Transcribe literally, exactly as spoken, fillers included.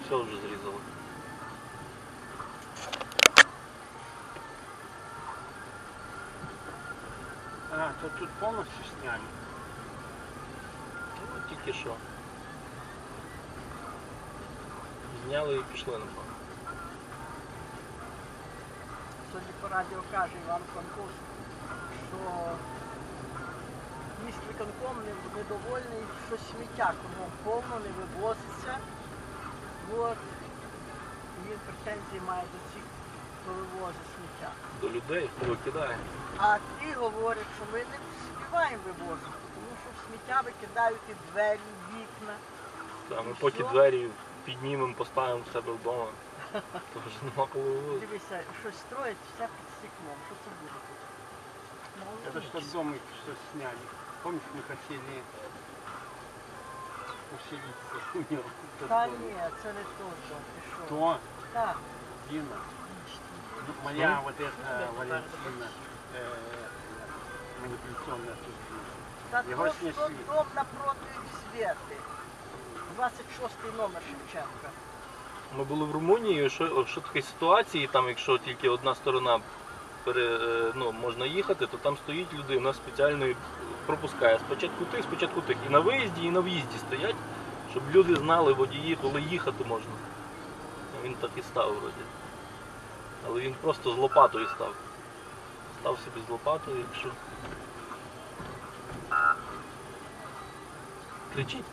все вже зрізало. А, то тут повністю сняли? Ну, тільки що. Зняли і пішли, напевно. Сьогодні по радіо каже Іван Франковський, що міськвиконком недовольний, що сміття кругом повно, не вивозиться. От. І він претензії має до цих, хто вивозить сміття. До людей, хто викидає. А ті говорять, що ми не співаємо вивозити, тому що в сміття викидають і двері, і вікна. Та, ми І поки все. двері піднімемо, поставимо в себе вдома. То вже нема коли вивозити. Дивися, щось строять, все під стеклом. Що це буде тут? Это что дом их что сняли. Помнишь, мы хотели поселиться у него? Тот Та дом. ні, це не то, що пішов. Кто? Так. Дина. Ну, моя вот эта Валентина э, манипуляционная сущность. Та Його то, снесли. що дом напроти Свєти. двадцять шостий номер Шевченка. Ми були в Румунії, що, що такі ситуації, там якщо тільки одна сторона пере, е, ну, можна їхати, то там стоїть людина спеціально і пропускає спочатку тих, спочатку тих. І на виїзді, і на в'їзді стоять, щоб люди знали водії, коли їхати можна. Ну, він так і став вроді. Але він просто з лопатою став. Став собі з лопатою, якщо. Кричить.